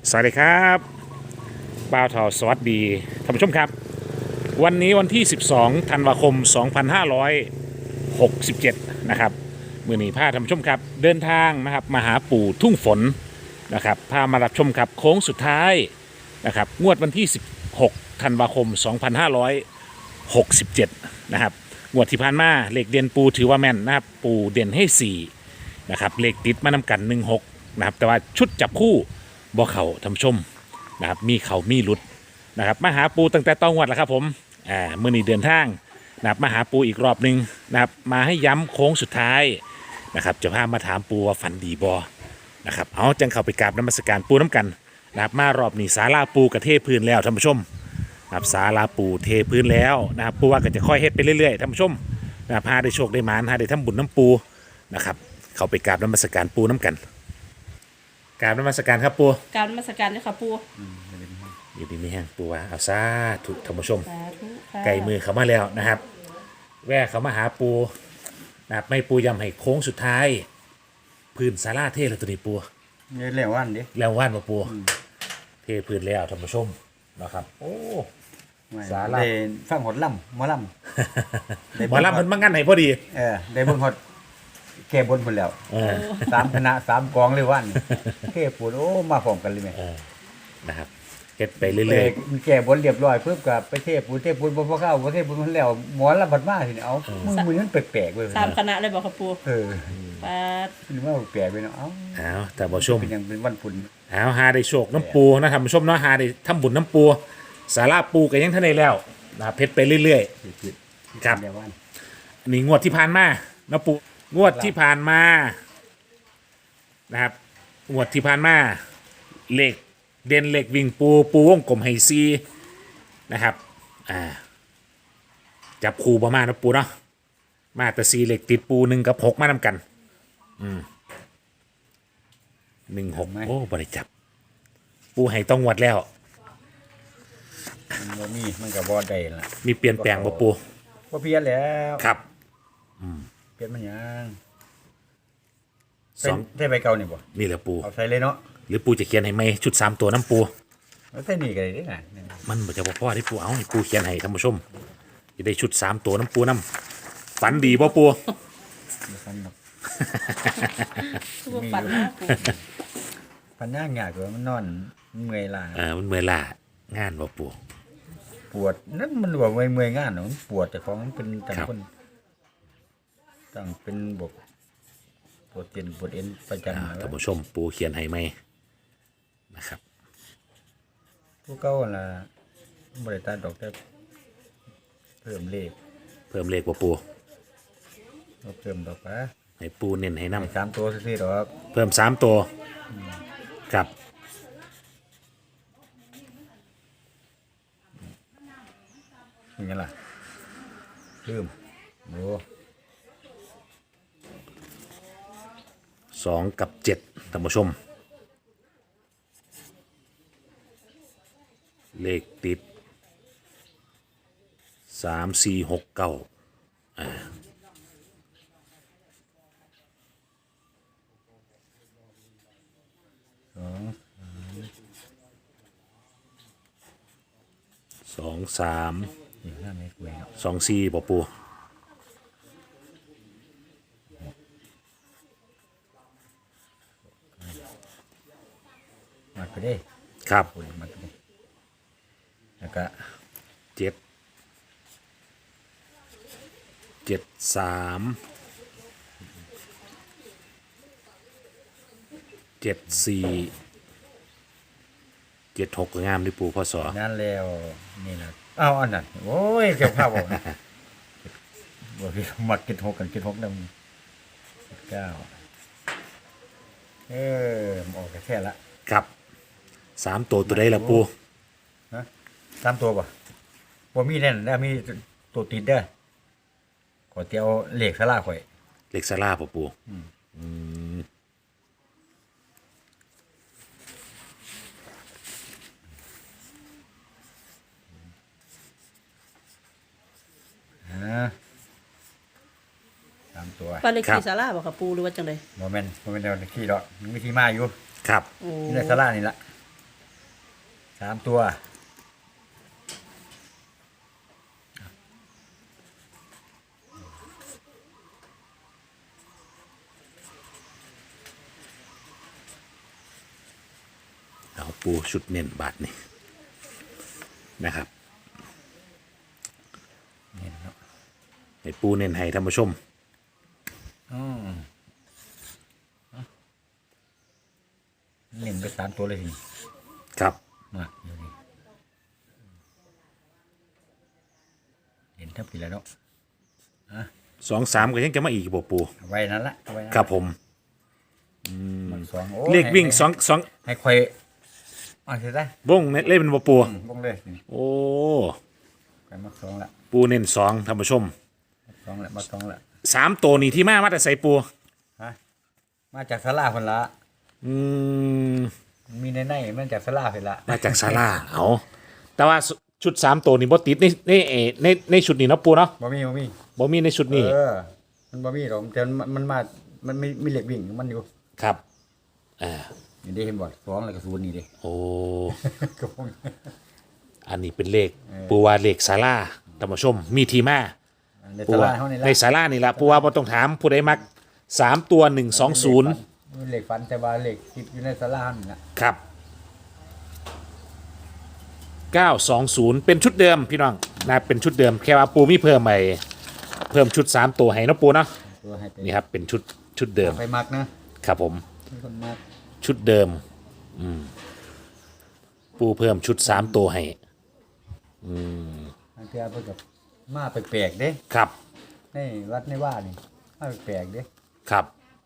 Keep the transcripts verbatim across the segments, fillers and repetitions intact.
สวัสดีครับบ่าวทอสวัสดีท่านผู้ชมครับวันนี้วันที่ สิบสอง ธันวาคม สองพันห้าร้อยหกสิบเจ็ด นะครับมือหนีพาท่านผู้ชมครับเดินทางนะครับมาหาปู่ทุ่งฝนนะครับพามารับชมครับโค้งสุดท้ายนะครับงวดวันที่ สิบหก ธันวาคม สองพันห้าร้อยหกสิบเจ็ด นะครับงวดที่ผ่านมาเลขเด่นปูถือว่าแม่นนะครับปูเด่นให้สี่นะครับเลขติดมานำกันหนึ่งหกนะครับแต่ว่าชุดจับคู่บ่เขาท่านผู้ชมนะครับมีเขามีหลุดนะครับมาหาปูตั้งแต่ต้องวัดแล้วครับผมอ่ามื่อนี้เดินทางนะครับมาหาปูอีกรอบหนึ่งนะครับมาให้ย้ำโค้งสุดท้ายนะครับจะพามาถามปูว่าฝันดีบอนะครับเอาจังเข้าไปกราบนมัสการปูน้ำกันนะครับมารอบนี้ศาลาปูกระเทพื้นแล้วท่านผู้ชมนะครับศาลาปูเทพื้นแล้วนะครับปูว่าก็จะค่อยเฮ็ดไปเรื่อยๆท่านผู้ชมนะครับพาได้โชคได้หมานพาได้ทำบุญน้ำปูนะครับเข้าไปกราบนมัสการปูน้ำกันกราบนมัสการครับปูกรารนมัสการเลยค่ะปูอยู่ดีมีแห้งปูว่าเอาซาถูกท่านผู้ชมสาธุค่ะไก่มือเขามาแล้วนะครับ แว่เขามาหาปูนะครับไม่ปูยำให้โค้งสุดท้าย พื้นศาลาเทแล้วตัวนี้ปูเนี่ยเรียกว่าอันดิแล้วว่านมาปูเทพื้นแล้วท่านผู้ชมนะครับ โอ้ สาระได้ฟังหดล่ำหมอล่ำได้หมอลำมันมางั้นให้พอดีเออได้เบิ่งหดแก่บนพุ่นแล้วเออสามคณะสามกองเลยวันแก่ปุ่นโอ้มาพร้อมกันเลยแม่เออนะครับเฮ็ดไปเอเรื่อยอแก่บนเรียบร้อยเพิ่มกับไปเทปุ่นเทปุ่นบ่พอเข้าบ่เทปุ่นมันแล้วหมอลำบัดมาสิเอามือมือมันแปลกๆเว้ยสามคณะเลยบอกค่ะปูเออปาดมันว่าแปลกไปเนาะเอ้าๆเอาแต่ผู้ชมเป็นหยังเป็นวันพุ่นเอาหาได้โชคน้ำปูนะท่านผู้ชมเนาะหาได้ทำบุญน้ำปูศาลาปูก็ยังทันได้แล้วนะครับเฮ็ดไปเรื่อยๆครับเรียกว่าอันนี้งวดที่ผ่านมานะปูงวดที่ผ่านมานะครับงวดที่ผ่านมาเลขเด่นเลขวิ่งปูปูวงกลมไฮซีนะครับอ่าจับคู่ประมาณนะปูเนาะมาแต่ซีเลขติดปูหนึ่งกับหกมานำกันอืมหนึ่งหกโอ้บริจับ ปูให้ต้องงวดแล้วมันบ่มีมันก็บ่ได้ล่ะมีเปลี่ยนแปลงบ่ปูบ่เปลี่ยนแล้วครับเปลี่ยนมันหยังสองเป็นได้ใบเก่านี่บ่นี่แหละปูเอาใส่เลยเนาะหรือปูจะเขียนให้ไหมชุดสามตัวน้ำปูเอาใส่นี่ก็ได้เด้อน่ะมันบ่จะบ่พอที่ปูเอาให้ปูเขียนให้ท่านผู้ชมจะได้ชุดสามตัวน้ำปูน้ำฝันดีบ่ปูบ่ฟันดอกคือว่าฝันนะปูฟันย่างยากเลยมันนอนมันเมื่อยล้าเออมันเมื่อยล้างานบ่ปูปวดนั่นมันว่าเมื่อยเมื่อยงานเนาะมันปวดแต่ของมันเป็นต่างครับคนต่างเป็นบกปวดเตียนปวดเอ็นประจำอ่านะท่านผู้ชมปูเขียนให้ไหมนะครับผู้เก่าล่ะบริตาดอกแต่เพิ่มเลขเพิ่มเลขบ่ปูเอาเพิ่มดอกปะให้ปูเน้นให้นํให้สามตัวซื่อๆดอกเพิ่มสามตัวครับเป็นไงล่ะเพิ่มโอ้สองกับเจ็ดท่านผู้ชม เลขติดสามสี่หกเก้าอ่าสสององสามนี่ห้าเมตรเว้ยเนาะสองสี่บ่ปูมัดไปเด้ครับปวดมัดไปเด้แล้วก็เจ็ดเจ็ดสามเจ็ดสี่เจ็ดหกก็งามดิปูพ่อสอนั่นแล้วนี่แหละอ้าวอันนั้นโอ้ยเกี่ยวข้าวบ่นะบ่พี่มัดกินหกกันกินหกนำเก้าเออมันออกแค่ละครับสามตัวตัวใดละปูฮะสามตัวป่ะบ่มีแน่นแล้วมีตัวติดเด้อขอเตียวเหล็กสลาข่อยเล็กซาร่าป่ะปูอืมฮะสามตัวปาเลขที่ศาลาบอกค่ะปูหรือว่าจังไดบ่แม่นบ่แม่นเดี๋ยวขี้ดอกมันมีที่มาอยู่ครับโอ้นี่แหละสลานี่ล่ะสามตัวเอาปูชุดเน้นบาทนี่นะครับเห็นเนาะให้ปูเน้นให้ท่านผู้ชมอืมเน้นไปสามตัวเลยทีนี้ครับมาอยู่นี่เห็นทับปีแล้วเนาะสองสามก็ยังจะมาอีกบ่ปูเอาไว้นั่นละเอาไว้นั่นครับผมมันสองโอ้เลขวิ่งให้สองสองให้คอยอ่าเสร็จได้วงเลขเป็นบ่ปูอืมวงเลยนี่โอ้ไปมักสองละปูเน้นสองท่านผู้ชมมักสองละมักสองละสามตัวนี่ที่มามาแต่ใส่ปูฮะมาจากสลาคนละอืมมีในในมันจากสลาคนละมาจากซาร่าเอาแต่ว่าชุดสามตัวนี่บ่ติดในในเอในในชุดนี้เนาะปูเนาะบ่มีบ่มีบ่มีในชุดนี้เออมันบ่มีหรอกแต่มันมันมามันมีมีเหล็กวิ่งมันอยู่ครับอ่านี่ได้เห็นบ่สองแล้วก็ศูนย์นี่เด้โอ้ก็พวกอันนี้เป็นเลขปูว่าเลขซาร่าท่านผู้ชม มีทีมาในปูสว่าลาเฮานี่ละในซาร่านี่ละปูว่าบ่ต้องถามผู้ใดมักสามตัวหนึ่งสองศูนย์มีเหล็กฟันแต่ว่าเหล็กคิดอยู่ในสลานี่น่ะครับเก้าสองศูนย์เป็นชุดเดิมพี่น้องนะเป็นชุดเดิมแค่ว่าปูมีเพิ่มใหม่เพิ่มชุดสามตัวให้เนาะปูเนาะตัวให้ไปนี่ครับเป็นชุดชุดเดิมไปมักนะครับผมมีคนมักชุดเดิมอืมปูเพิ่มชุดสามตัวให้บางเทื่อเพิ่นก็มาแปลกๆเด้ครับในวัดในว่านี่มาแปลกๆเด้ครับ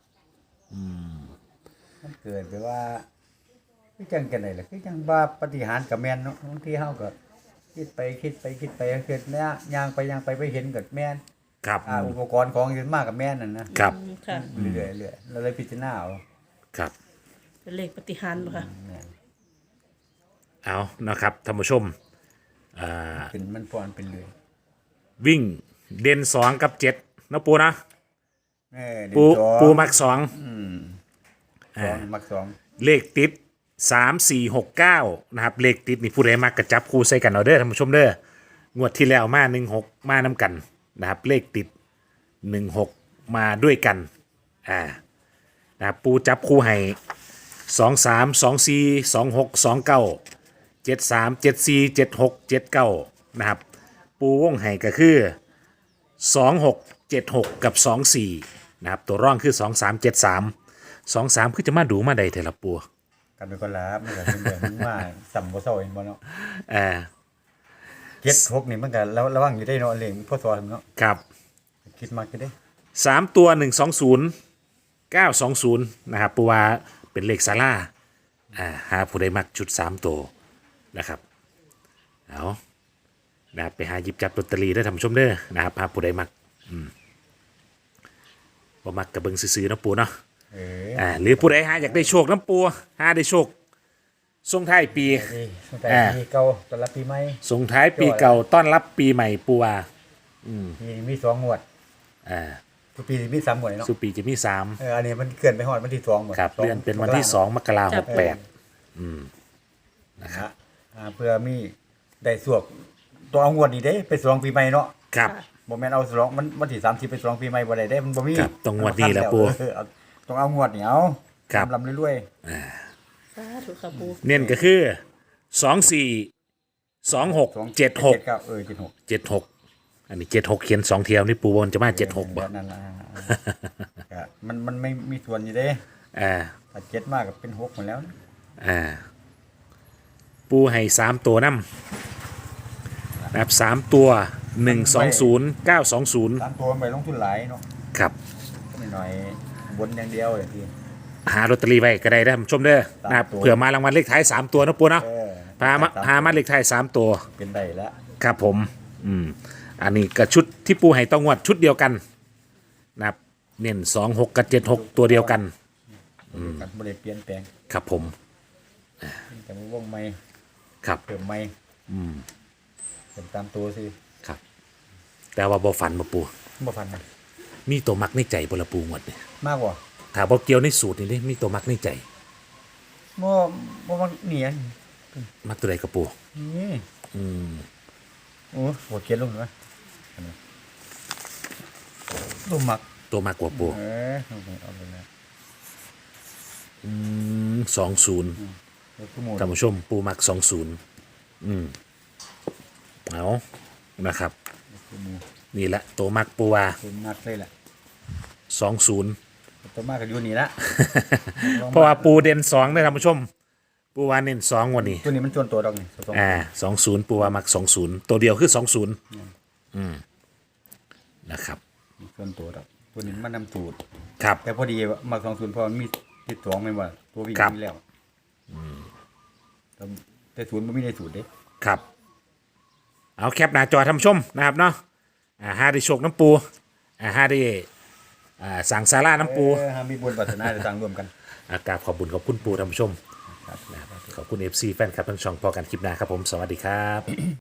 มันเกิดไปว่าคือจังกันได้ล่ะคือจังว่าปฏิหารย์กับแม่นเนาะบางทีเฮาก็คิดไปคิดไปคิดไปเกิดแม่ย่างไปย่างไปไปเห็นกับแม่นครับอ่าอุปกรณ์ของอยู่มากกับแม่นนั่นนะครับอืมค่ะเรื่อยๆเรื่อยๆเราเลยพิจารณาเอาครับเป็นเลขปฏิหารย์บ่ค่ะแม่นเอานะครับท่านผู้ชมอ่าเป็นมันพรเป็นเลยวิ่งเด่นสองกับเจ็ดเนาะปูนะแม่เดืปูอนสองปูมักสองอืมสองมักสองเลขติดสามสี่หกเก้านะครับเลขติดนี่ผู้ใดมักกระจับคู่ใส่กันเอาเด้อท่านผู้ชมเด้องวดที่แล้วมาหนึ่งหกมาน้ำกันนะครับเลขติดหนึ่งหกมาด้วยกันอ่านะครับปูจับคู่ให้สองสามสองสี่สองหกสองเก้าเจ็ดสามเจ็ดสี่เจ็ดหกเจ็ดเก้านะครับปูวงให้ก็คือสองหกเจ็ดหกกับสองสี่นะครับตัวร่องคือสองสามเจ็ดสามสองสามคือจะมาดูมาใดเถอะละปูกันเป็นคนละมันก็เป็นแบบมันว่าสัมบ่เซาเห็นบ่เนาะเออเจ็ดหกนี่มันก็ระระวังอยู่ได้เนาะเลขพ่อสอนเนาะครับคิดมากอยู่เด้สามตัวหนึ่งสองศูนย์เก้าสองศูนย์นะครับปูว่าเป็นเลขซาร่าอ่าหาผู้ใดมักชุดสามตัวนะครับเอานะครับไปหาหยิบจับลอตเตอรี่ได้อท่านผู้ชมเด้อนะครับหาผู้ใดมักอืมบ่มักกระเบิงซื้อๆเนาะปูเนาะเอออ่าหรือผู้ใดหาอยากได้โชคน้ำปูหาได้โชคส่งท้ายปีดีตั้งแต่อ่าปีเก่าตอนรับปีใหม่ส่งท้ายปีเก่าต้อนรับปีใหม่ปูว่าปีนี้มีสองงวดอ่าทุกปีมีสามงวดเนาะสุปีจะมีสามเอออันนี้มันเกินไปฮอดวันที่สองหมดครับสงเลื่อนเป็นวันที่สองมกราหกแปดนะฮะอ่าเพื่อมีได้สวกตัวเอางวดนี้เด้ไปสวงปีใหม่เนาะครับบ่แม่นเอาสวงมันวันที่สามสิบไปสวงปีใหม่บ่ได้เด้มันบ่มีครับต้องงวดนี้แหละปู่เออเอาต้องเอางวดนี่เอาครับลำๆเรื่อยสาธุค่ะปูเน้นก็คือสองสี่สองหกๆสองเจ็ดหกเก้าเออเจ็ดหกเจ็ดหกอันนี้เจ็ดหกเขียนสองเทียวนี่ปูบนจะมาเจ็ดหกบ่นั่นล่ะก็มันมันไม่มีส่วนอยู่เด้อ่าถ้าเจ็ดมากก็เป็นหกหมดแล้วนะอ่า ปูให้สามตัวน้ำนะครับสามตัวหนึ่งสองศูนย์เก้าสองศูนย์สามตัวมันไปลงทุนหลายเนาะครับไม่หน่อยบนอย่างเดียวอย่างที่หาลอตเตอรี่ไว้ก็ได้นะท่านผู้ชมเด้อนะครับสามตัวเผื่อมารางวัลเลขท้ายสามตัวนะปูเนาะเออพามาหามาเลขท้ายสามตัวเป็นได้แล้วครับผม อืม อันนี้ก็ชุดที่ปูให้ต้องงวดชุดเดียวกันนะครับเน้นสองหกกับเจ็ดหกตัวเดียวกันกันบ่ได้เปลี่ยนแปลงครับผมแต่ว่าวงใหม่ครับเพิ่มใหม่อืมเพิ่มตามตัวสิครับ แต่ว่าบ่ฝันบ่ปูบ่ฟันนะมีตัวมักในใจบ่ละปูงวดเนี่ยมากกว่าถ้าบ่เกี่ยวในสูตรนี่เด้มีตัวมักในใจบ่บ่มันเหนียนมักตัวใดกระปูนี่อืมโอ้โหเขียนลงนะลูกหมักตัวมากกว่าปูเออเอาไปแล้วอืมสองศูนย์แล้วก็หมดท่านผู้ชมปูมักสองศูนย์อืมเอานะครับตัวหมูนี่แหละตัวมักปูว่าตัวมักเลยแหละสองศูนย์ตัวมากก็อยู่นี่ละเพราะว่าปูเด่นสองนะท่านผู้ชม ปูว่าเน้นสองวันนี้ตัวนี้มันจวนตัวดอกนี่ตัวอ่าสองศูนย์ปูว่ามักสองศูนย์ตัวเดียวคือสองศูนย์อืมนะครับจวนตัวดอกตัวนี้มันนำสูตรครับแต่พอดีมาสองศูนย์พอมันมีติดสองไม่ว่าตัววิ่งครับมีแล้วแต่แต่ศูนย์มันไม่ได้สูตรเด้ครับ เอาแคปหน้าจอท่านผู้ชมนะครับเนาะอ่าห้าได้โชคน้ำปูอ่าห้าได้อ่าสั่งซาร่าน้ำปูเออหามีบุญปัฒนาจะต่างรวมกันอากราบขอบบุญขอบคุณปูท่านผู้ชมครับขอบคุณเอฟซีแฟนคลับทั้งช่องพอกันคลิปหน้าครับผม สวัสดีครับ